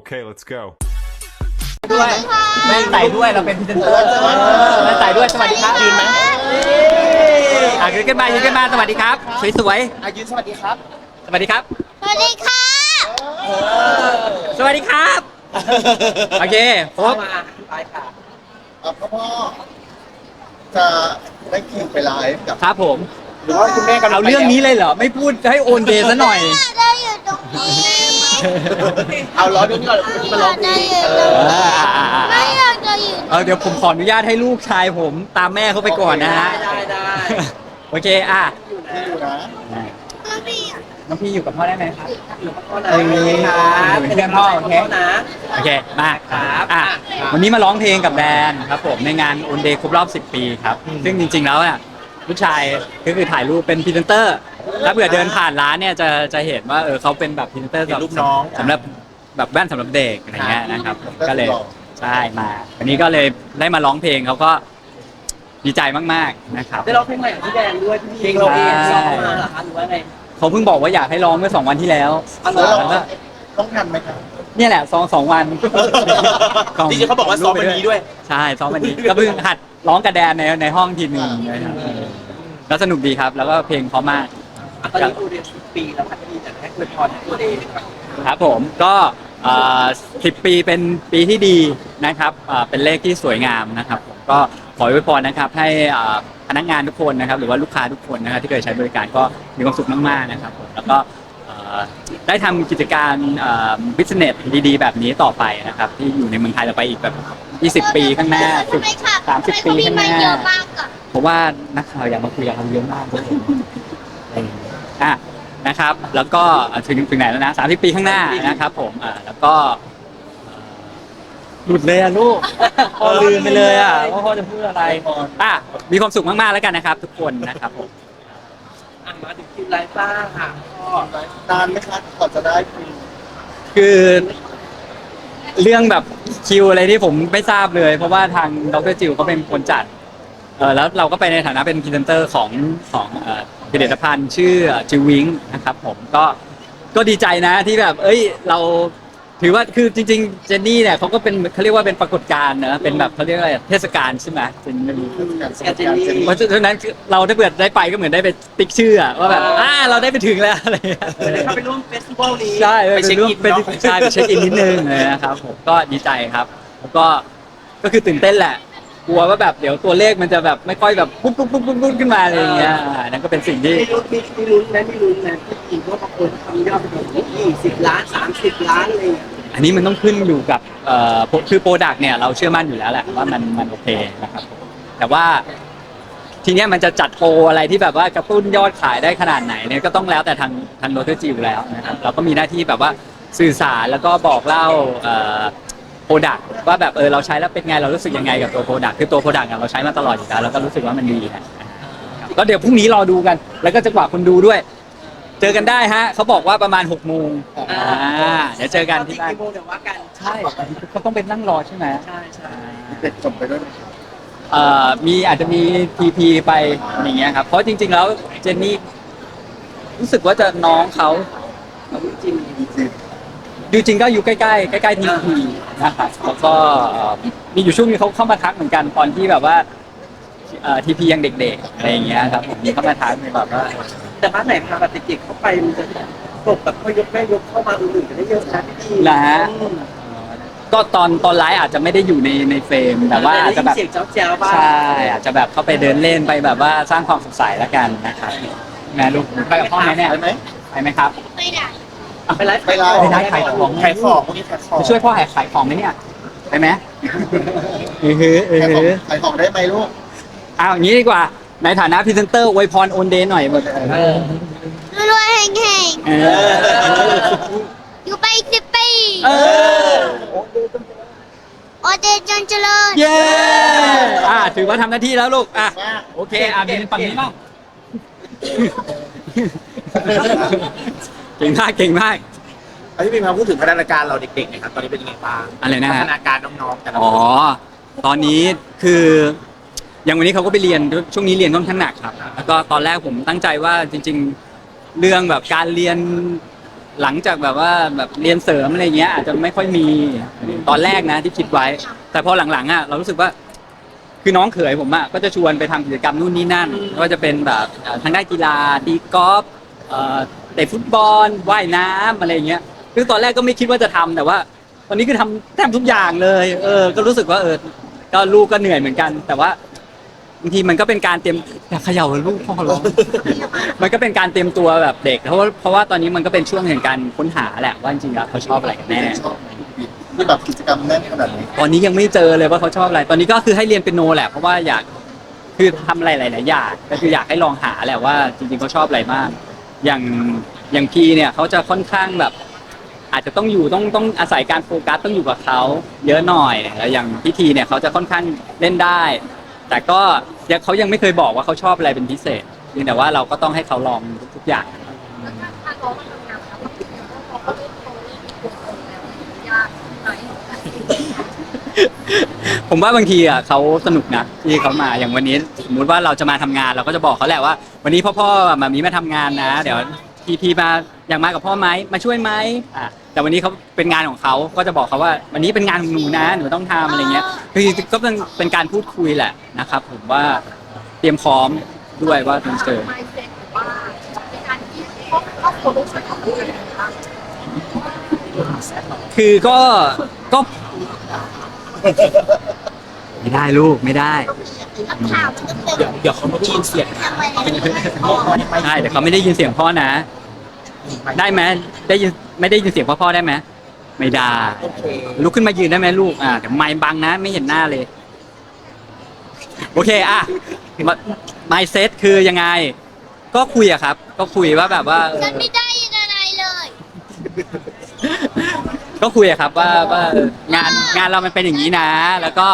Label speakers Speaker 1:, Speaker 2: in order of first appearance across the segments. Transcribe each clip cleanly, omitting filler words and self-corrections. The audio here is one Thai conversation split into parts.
Speaker 1: Okay, let's go.
Speaker 2: ด้วยแม่งใส่ด้วยเราเป็นพรีเซนเตอร์แม่งใส่ด้วยสวัสดีครับยืนไหมยืนขึ้นมายืนขึ้นมาสวัสดีครับสวย
Speaker 3: ยืนสวัสดีครับ
Speaker 2: ๆสวัสดีครับ
Speaker 4: สวัสดีค่ะ
Speaker 2: สวัสดีครับโอเคครบ
Speaker 3: ไปค่ะพ่อจะได้คิวไปไลฟ์กับ
Speaker 2: ครับผม
Speaker 3: หรือว่าคุณแม่กำลัง
Speaker 2: เอาเรื่องนี้เลยเหรอไม่พูดให้โอนเดย์ซะหน่อย
Speaker 4: เราอยู่ตรงนี้
Speaker 3: เอาล้อเรื่องนี้ก่อนมาร้องเพลง
Speaker 4: ไม่อยากจะอยู่
Speaker 2: เดี๋ยวผมขออนุญาตให้ลูกชายผมตามแม่เขาไปก่อนนะฮะ
Speaker 3: ได้
Speaker 2: โอเค
Speaker 3: ที่อยู่นะ
Speaker 2: น้องพี่อยู่กับพ่อได้ไหมครับ
Speaker 3: พ่อนะเป็นเพื่อนพ่อโอเคนะ
Speaker 2: โอเคมาวันนี้มาร้องเพลงกับแดนครับผมในงานโอนเดย์ครบรอบ 10 ปีครับซึ่งจริงๆแล้วเนี่ยลูกชายก็คือถ่ายรูปเป็นพรีเซนเตอร์ถ้าเผื่อเดินผ่านร้านเนี่ยจะเห็นว่าเขาเป็นแบบพรีเซนเตอร์สำหรับแบบแว่นสำหรับเด็กอะไรเงี้ยนะครับก็เลยใช่มาวันนี้ก็เลยได้มาร้องเพลงเขาก็ดีใจมากๆนะครับ
Speaker 3: ได้ร้องเพลงใหม่ของพี่แดนด้วยเพลงเราเองร้องมาเหรอคะหรือว่าไง
Speaker 2: เขาเพิ่งบอกว่าอยากให้ร้องเมื่อ2 วันที่แล้ว
Speaker 3: แล้วเราต้องทันไหมครับ
Speaker 2: เนี่ยแหละ2 วัน
Speaker 3: จริงๆเขาบอกว่าซ้อมวันนี้ด้วย
Speaker 2: ใช่ซ้อมวันนี้ก็เพิ่งหัดร้องกระแดนในห้องทีหนึ่งนะครับแล้วสนุกดีครับแล้วก็เพลงเพราะมาก
Speaker 3: ตอนนี้โอเดย์10 ปีแล้วพันธีจะให้คุยพรโอเดย์
Speaker 2: ครับผมก็10 ปีเป็นปีที่ดีนะครับเป็นเลขที่สวยงามนะครับผมก็ขออวยพรนะครับให้พนักงานทุกคนนะครับหรือว่าลูกค้าทุกคนนะครับที่เคยใช้บริการก็มีความสุขมากๆนะครับผมแล้วก็ได้ทำกิจการบิสเนสดีๆแบบนี้ต่อไปนะครับที่อยู่ในเมืองไทยเราไปอีกแบบ20 ปีข้างหน้า30 ปีข้างหน้าเพราะว่านักข่าวอยากมาคุยกับเราเยอะมากเลยนะครับแล้วก็ถึงไหนแล้วนะ30 ปีข้างหน้านะครับผมแล้วก็หลุดเลยอะลูกพ่อลืมไปเลยอะว่าพ่อจะพูดอะไรมีความสุขมากๆแล้วกันนะครับทุกคนนะครับผม
Speaker 3: มาถึงคิวไลฟ์บ้างค่ะก็นานไหมครับก่อนจะได้คิว
Speaker 2: คือเรื่องแบบคิวอะไรที่ผมไม่ทราบเลย เพราะว่าทางดรจิวเขาเป็นคนจัดแล้วเราก็ไปในฐานะเป็นพรีเซนเตอร์ของผลิตภัณฑ์ชื่อจิววิงนะครับผมก็ดีใจนะที่แบบเราถือว่าคือจริงๆเจนนี่เนี่ยเขาก็เป็นเขาเรียกว่าเป็นปรากฏการณ์นะเป็นแบบเขาเรียกอะไรเทศกาลใช่ไหมเจนนี่เพราะฉะนั้นเราได้เปิดได้ไปก็เหมือนได้ไปติ๊กชื่อว่าแบบเราได้ไปถึงแล้วอะไร
Speaker 3: เข้าไปร่วมเฟสติวัลนี้
Speaker 2: ใช่ไปเช็คอินไปเช็คอินนิดนึงเลยนะครับผมก็ดีใจครับแล้วก็คือตื่นเต้นแหละกลัวว่าแบบเดี๋ยวตัวเลขมันจะแบบไม่ค่อยแบบปุ๊บขึ้นมาอะไรอย่างเงี้ยนั่นก็เป็นสิ่งที่
Speaker 3: มีลุ้นนะที่จริงว่าบางคนทำยอดไปถึง20 ล้าน30 ล้านอะไรอย่างเงี้ย
Speaker 2: อันนี้มันต้องขึ้นอยู่กับคือโปรดักต์เนี่ยเราเชื่อมั่นอยู่แล้วแหละว่ามันโอเคนะครับแต่ว่าทีเนี้ยมันจะจัดโปรอะไรที่แบบว่ากระตุ้นยอดขายได้ขนาดไหนเนี่ยก็ต้องแล้วแต่ทางโรเตอร์จิวแล้วนะครับเราก็มีหน้าที่แบบว่าสื่อสารแล้วก็บอกเล่าโปรดักต์ว่าแบบเราใช้แล้วเป็นไงเรารู้สึกยังไงกับตัวโปรดักต์คือตัวโปรดักต์เราใช้มาตลอดอยู่แล้วเราก็รู้สึกว่ามันดีนะก็เดี๋ยวพรุ่งนี้รอดูกันแล้วก็จะกว่าคนดูด้วยเจอกันได้ฮะเขาบอกว่าประมาณ6 โมงเดี๋ยวเจอกันที่บ้าน
Speaker 3: เดี๋ยวว่ากัน
Speaker 2: ใช่เขาต้องเป็นนั่งรอใช่ไหม
Speaker 3: ใช่
Speaker 2: เด็กจบไปด้วยมีอาจจะมีTPไปอย่างเงี้ยครับเพราะจริงๆแล้วเจนนี่รู้สึกว่าจะน้องเขา
Speaker 3: จริง
Speaker 2: ดูจริงก็อยู่ใกล้ๆTPนะครับแล้วก็มีอยู่ช่วงนึงเขาเข้ามาทักเหมือนกันตอนที่แบบว่าTPยังเด็กๆอะไรอย่างเงี้ยครับผมมีเข้ามาทักแบบว่า
Speaker 3: แต่บ้านไหนพาแบบเด็กๆเข้าไปมันจะตกแบบพ่อยกแม่ยกเข้ามาอื่นๆจะได้เยอะนะพี่
Speaker 2: นะฮะก็ตอนไลฟ์อาจจะไม่ได้อยู่ในเฟรมแต่ว่าอาจจะแบบ
Speaker 3: เสียงเจ้าบ้าง
Speaker 2: ใช่อาจจะแบบเข้าไปเดินเล่นไปแบบว่าสร้างความสดใสแล้วกันนะครับแม่ลูกไปกับพ่อไหมเนี่ยไปไหมครับ
Speaker 4: ไปได้
Speaker 3: ไปไลฟ์
Speaker 2: ขายของ
Speaker 3: พวกนี้ขายของ
Speaker 2: จะช่วยพ่อขายของไหมเนี่ยไปไหม
Speaker 3: ขายของได้ไหมลูก
Speaker 2: อย่างนี้ดีกว่าในฐานะพรีเซนเตอร์อวยพรโอนเดย์หน่อย
Speaker 4: รวยแห่งอยู่ไป10 ปีโอเดย์จนเจริญ
Speaker 2: เย้ถือว่าทำหน้าที่แล้วลูกโอเคเป็นฝั่งนี้บ้างเก่งมาก
Speaker 3: พี่พิมพ์มาพูดถึงพัฒนาการเราเด็กๆนะครับตอนนี้เป็นยังไงบ้าง
Speaker 2: อะไรนะ
Speaker 3: พัฒนาการน้องๆแต่ละ
Speaker 2: ตอนนี้คืออย่างวันนี้เขาก็ไปเรียนช่วงนี้เรียนค่อนข้างหนักครับแล้วก็ตอนแรกผมตั้งใจว่าจริงๆเรื่องแบบการเรียนหลังจากแบบว่าแบบเรียนเสริมอะไรเงี้ยอาจจะไม่ค่อยมีตอนแรกนะที่คิดไว้ แต่พอหลังๆอ่ะเรารู้สึกว่าคือน้องเขยผมอ่ะก็จะชวนไปทำกิจกรรมนู่นนี่นั่นไม่ว่าจะเป็นแบบทางด้านกีฬาตีกอล์ฟเตะฟุตบอลว่ายน้ำอะไรเงี้ยคือตอนแรกก็ไม่คิดว่าจะทำแต่ว่า ตอนนี้คือทำแทบทุกอย่างเลยก็รู้สึกว่าก็ลูกก็เหนื่อยเหมือนกัน แต่ว่าบางทีมันก็เป็นการเตรียมอยากเขย่าลูกพ่อร้อง มันก็เป็นการเตรียมตัวแบบเด็กเพราะว่าตอนนี้มันก็เป็นช่วงแห่งการค้นหาแหละว่าจริงๆแล้วเขาชอบอะไรกันแน่
Speaker 1: ชอบที่แบบกิจกรรมแน่นขนาดนี้
Speaker 2: ตอนนี้ยังไม่เจอเลยว่าเขาชอบอะไร ตอนนี้ก็คือให้เรียนเปียโนแหละเพราะว่าอยากคือทำอะไรหลายๆอย่างก็คืออยากให้ลองหาแหละว่าจริงๆเขาชอบอะไรมากอย่างพีเนี่ยเขาจะค่อนข้างแบบ อาจจะต้องอาศัยการโฟกัสต้องอยู่กับเขาเยอะหน่อยแล้วอย่างพิธีเนี่ยเขาจะค่อนข้างเล่นได้ แต่ก็เขายังไม่เคยบอกว่าเขาชอบอะไรเป็นพิเศษเพียงแต่ว่าเราก็ต้องให้เขาลองทุกอย่าง
Speaker 5: ถ้าน้องมาทำงานแล้วพอเขาเริ่มโตเริ่มมีตัวตนแล้วยากไหม
Speaker 2: ผมว่าบางทีอ่ะเขาสนุกนะที่เขามาอย่างวันนี้สมมุติว่าเราจะมาทำงานเราก็จะบอกเขาแหละว่า วันนี้พ่อมามีมาทำงานนะ เดี๋ยวพีมาอยากมากับพ่อไหมมาช่วยไหมแต่วันนี้เขาเป็นงานของเขาก็จะบอกเขาว่า วันนี้เป็นงานของหนูนะหนูต้องทำอะไรเงี้ยคือก็เป็นการพูดคุยแหละนะครับผมว่าเตรียมพร้อมด้วยว่าต้องเจอ
Speaker 5: ไมเซ็ตหรือว่าในการที่ครอบครัวลูกช่วยทำอะไรบ้าง
Speaker 2: คือก็ไม่ได้ลูกไม่ได้
Speaker 4: คำถามมันก็เป็น
Speaker 6: เดี๋ยวเขาไม่ได้ยินเสียง
Speaker 4: ทำไมเนี่ย
Speaker 2: ใช่แต่เขาไม่ได้ยินเสียงพ่อนะ ได้ไหมได้ยินไม่ได้ยินเสียงพ่อได้ไหมไม่ได้
Speaker 6: โอเค
Speaker 2: ลุกขึ้นมายืนได้ไหมลูกเดี๋ยวไมค์บังนะไม่เห็นหน้าเลย โอเคmindset คือยังไง ก็คุยอะครับ ก็คุยว่าแบบว่า
Speaker 4: ฉันไม่ได้ยินอะไรเลย
Speaker 2: ก็คุยอะครับว่างานเรามันเป็นอย่างนี้นะ แล้วก็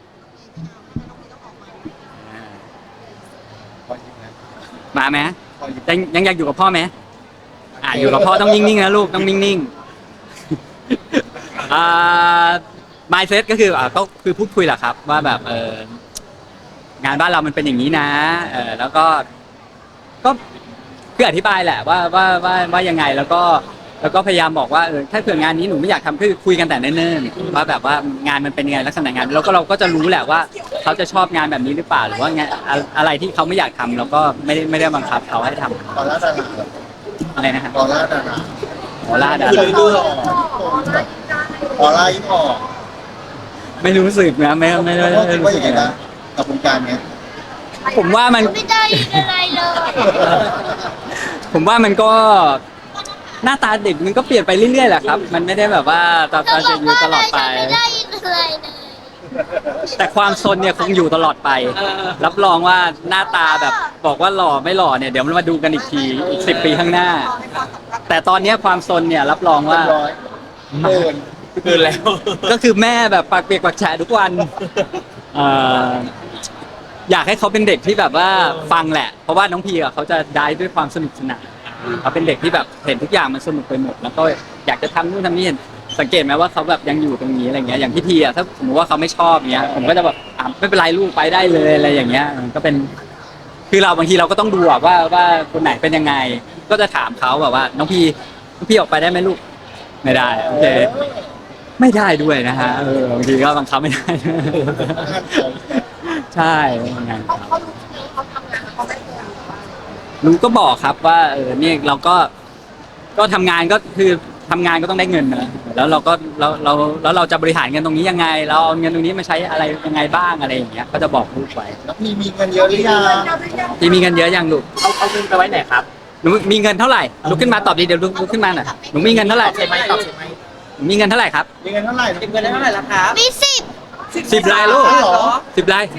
Speaker 2: มาไหมยังอยากอยู่กับพ่อไหมอยู่กับพ่อต้องนิ่งๆนะลูกต้องนิ่งๆmindset ก็คือพูดคุยแหละครับ ว่าแบบงานบ้านเรามันเป็นอย่างนี้นะแล้วก็คืออธิบายแหละว่ายังไงแล้วก็พยายามบอกว่าถ้าเผื่องานนี้หนูไม่อยากทำคือคุยกันแต่เนิ่นๆว่าแบบว่างานมันเป็นยังไงลักษณะงานแล้วก็เราก็จะรู้แหละว่าเขาจะชอบงานแบบนี้หรือเปล่าหรือว่างานอะไรที่เขาไม่อยากทำเราก็ไม่ได้บังคับเขาให้ทำ
Speaker 1: ตอนล่าดารา
Speaker 2: อะไรนะครับ
Speaker 1: ตอนล่าดารา
Speaker 2: ออร่าดา
Speaker 1: คือ
Speaker 2: รา
Speaker 1: ดูหล่อออร่ายิ้มออก
Speaker 2: ไม่รู้สึกนะไม่
Speaker 1: พ่อคิด
Speaker 2: รู้
Speaker 1: ว่า
Speaker 2: สึ
Speaker 1: อก ย่างไง
Speaker 2: นะ
Speaker 1: นะกับวงการเนี้ย
Speaker 2: ผมว่ามัน
Speaker 4: ไม่ได้ยินอะไรเลย
Speaker 2: ผมว่ามันก็หน้าตาเด็กมันก็เปลี่ยนไปเรื่อยๆแหละครับ มันไม่ได้แบบว่าตา
Speaker 4: เธอ
Speaker 2: จะ
Speaker 4: บอก
Speaker 2: อยู่
Speaker 4: ว่า
Speaker 2: ต
Speaker 4: อะไร
Speaker 2: ลอดไป
Speaker 4: ฉันไม่ได้ยินอะไรเลย
Speaker 2: แต่ความซนเนี่ยคงอยู่ตลอดไป รับรองว่าหน้าตาแบบบอกว่าหล่อไม่หล่อเนี่ยเดี๋ยวมันมาดูกันอีกทีอีก10 ปีข้างหน้า แต่ตอนเนี้ยความซนเนี่ยรับรองว่า
Speaker 1: ร้อยเกิน
Speaker 6: แล้ว
Speaker 2: ก็คือแม่แบบปากเปียกปากแฉะทุกวันเอ่ออยากให้เขาเป็นเด็กที่แบบว่าฟังแหละ เพราะว่าน้องพีเขาจะได้ด้วยความสนุกสนานเขาเป็นเด็กที่แบบเห็นทุกอย่างมันสนุกไปหมด แล้วก็อยากจะทำนู่นทำนี่สังเกตไหมว่าเขาแบบยังอยู่ตรงนี้อะไรเงี้ยอย่างพี่ทีถ้าสมมติว่าเขาไม่ชอบเงี้ยผมก็จะแบบไม่เป็นไรลูกไปได้เลยอะไรอย่างเงี้ยมันก็เป็น คือเราบางทีเราก็ต้องดูว่าคนไหนเป็นยังไง ก็จะถามเขาแบบว่า น้องพี่ออกไปได้ไหมลูกไม่ได้โอเคไม่ได้ด้วยนะฮะบางทีก็บังคับไม่ได้ ใช่งานเขา
Speaker 5: เขารู้ใช่ไหมเขาทำงานแล้วเขาไม่เคย
Speaker 2: รู้ก็บอกครับว่าเนี่ยเราก็ทำงานก็คือทำงานก็ต้องได้เงินนะแล้วเราจะบริหารเงินตรงนี้ยังไง เราเอาเงินตรงนี้มาใช้อะไรยังไงบ้างอะไรอย่างเงี้ยก็จะบอกลูกไว้
Speaker 1: แล้วพี่มีเงินเยอะหรือยัง
Speaker 2: พี่มีเงินเยอะยังลูก
Speaker 6: เอาเงินไปไว้ไหนครับ
Speaker 2: หนูมีเงินเท่าไหร่ลุกขึ้นมาตอบดีเดี๋ยวลุกขึ้นมาหน่อยหนูมีเงินเท่าไหร่
Speaker 6: ใช่ไหมตอบใช่ไหม
Speaker 2: หนูมีเงินเท่าไหร่ครับ
Speaker 1: มีเงินเท่าไหร่
Speaker 3: เก็บเงินได้เท่าไหร่ละครับ
Speaker 4: มี10
Speaker 2: 10 รายลูก
Speaker 1: เหรอ
Speaker 2: 10 ราย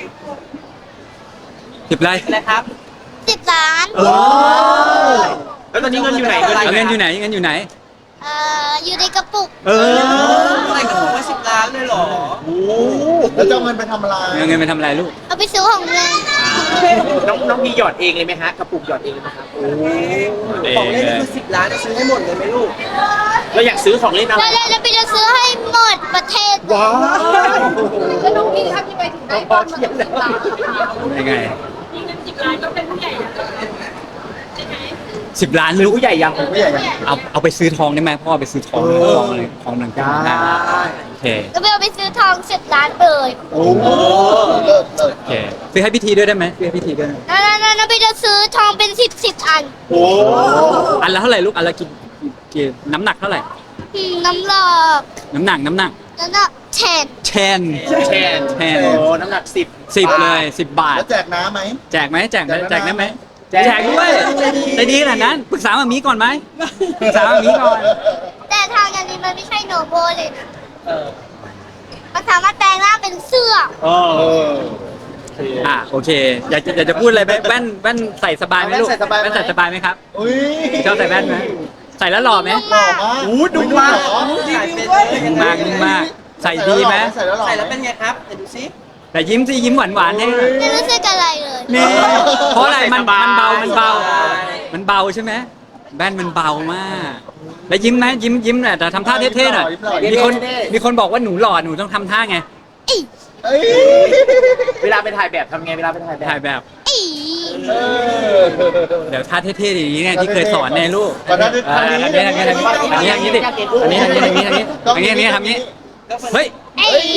Speaker 2: 10 ราย
Speaker 3: อะไรครับ
Speaker 4: 10 ล้าน
Speaker 6: ว้าวแล้วตอนนี้เงินอยู่ไหน
Speaker 2: เอาเงินอยู่ไหนเงินอยู่ไหน
Speaker 4: อยู่ในกระปุก
Speaker 3: ใส่กระปุกมา10 ล้านเลยเหรอ
Speaker 1: โอ้แล้วจะเอาเงินไปทำอะไร
Speaker 2: เอาเงินไปทำอะไรลูก
Speaker 4: เอาไปซื้อของเล่น
Speaker 6: น้องมีหยอดเองเลยไหมฮะกระปุกหยอดเองเลยไหมครับ
Speaker 3: ของเล่นนี่คือ10 ล้านจะซื้อให้หมดเลยไหมลูก
Speaker 6: เราอยากซื้อของเล่นอะไร
Speaker 4: แล้วพี่จะซื้อให้หมดประเทศ
Speaker 6: ว้าว
Speaker 5: แล้วน้องพี่ทำยังไงถึงได้บอลมาถึง10 ล้าน
Speaker 2: ยังไง
Speaker 5: มีเงิน10 ล้านก็เป็นผู้ใหญ่แล้วใช่ไหม
Speaker 2: 10 ล้าน
Speaker 6: หรือ
Speaker 2: ลูก
Speaker 6: ผู้ใหญ่ยัง
Speaker 1: ไม่ใหญ่ยัง
Speaker 2: เอาไปซื้อทองได้ไหมพ่อไปซื้อทองทองหนึ่ง
Speaker 6: ได้
Speaker 2: โอเค
Speaker 4: ก็ไปเอาไปซื้อทอง10 ล้านเลย
Speaker 1: โอ้โหเลิศเลิศ
Speaker 2: โอเคซื้อให้พิธีด้วยได้ไหมซื้อให้พิธีด้วย
Speaker 4: นั่นไปจะซื้อทองเป็น10 อัน
Speaker 1: โอ้
Speaker 2: อันละเท่าไหร่ลูกอันละกี่น้ำหนักเท่าไหร่
Speaker 4: น้ำหลอก
Speaker 2: น้ำหนัก
Speaker 4: แล้วก็แทน
Speaker 2: แชน
Speaker 6: แชน
Speaker 2: แชน
Speaker 6: โอ้น้ำหนัก10
Speaker 2: 10เลย10 บาท
Speaker 1: แล้วแจกน้ำไหม
Speaker 2: แจกไหมแจกได้ไหม
Speaker 6: แจก
Speaker 2: แจกด้วยใจดีขนาดนั้นปรึกษามามีก่อนไหมปรึกษามามีก่อน
Speaker 4: แต่ทางอันนี้มันไม่ใช่โนโบเลยนะ
Speaker 6: เออ
Speaker 4: มันสามารถแปลงร่างเป็นเสื้อ
Speaker 6: เอ
Speaker 1: เอ
Speaker 6: อ
Speaker 1: อ
Speaker 2: โอเคอยากจะพูดอะไรไหมแว่นใส่สบายไหมลูก
Speaker 1: แว่นใส่สบายไหม
Speaker 2: แว่นใส่สบายไหมครับ
Speaker 1: อุ้ย
Speaker 2: ชอบใส่แว่นไหมใส่แล้วหล่อไหม
Speaker 1: หล่อมาก
Speaker 6: อู้ดูมาก
Speaker 3: รีวิวด้วย
Speaker 2: นิ่งมากนิ่งมากใส่ดีไหม
Speaker 1: ใส่แล้วหล่อ
Speaker 3: ใส่แล้วเป็นไงครับเดี๋ยวดูซิ
Speaker 2: แต่ยิ้มสิยิ้มหวานๆให้
Speaker 4: ไม่รู้สึกอะไรเลย
Speaker 2: นี่เพราะอะไรมันเบามันเบา
Speaker 6: ใช่
Speaker 2: มันเบาใช่ไหมแว่นมันเบามาก แล้วยิ้มไหมยิ้มแหละแต่ทำท่าเท่ๆหน่อยมีคนบอกว่าหนูหล่อหนูต้องทำท่าไง
Speaker 1: เอ้ย
Speaker 6: เวลาไปถ่ายแบบทำไงเวลาไปถ่ายแบบ
Speaker 2: ถ่ายแบบ
Speaker 4: อี
Speaker 1: เออ
Speaker 2: เดี๋ยวท่าเท่ๆอย่างนี้ไงที่เคยสอนในลูก
Speaker 1: ขอท่าเท่ๆ
Speaker 2: ทำนี้ทำนี้ดิอันนี้ทำนี้เฮ้ย
Speaker 4: เอ้ย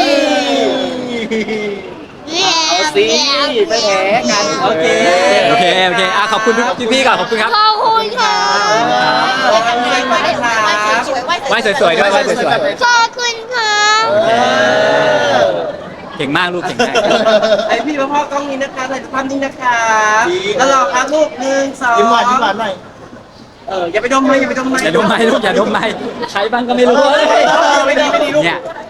Speaker 6: เอาสิไม่แพ้กันโอเค
Speaker 2: โอเคขอบคุณพี่ก่อนขอบคุณครับ
Speaker 4: ขอบคุณค่ะ
Speaker 2: ไหว้สวยๆด้วยไหว้สวย
Speaker 4: ขอบคุณค่ะ
Speaker 2: ๆเก่งมากลูกเก่งมาก
Speaker 3: ไอพี่พ่อกล้องนี้นะคะถ่ายภาพนี้นะคะแล้วรอครับลูก1 2
Speaker 1: ยิ้มหวานหน่อย
Speaker 3: อย่าไปดมเลยอย่าไปดมเลย
Speaker 2: อย่าดมไม้ลูกอย่าดมไม้ใช้บ้างก็ไม่รู้
Speaker 6: ไม่ดีลูก
Speaker 2: เนี่ย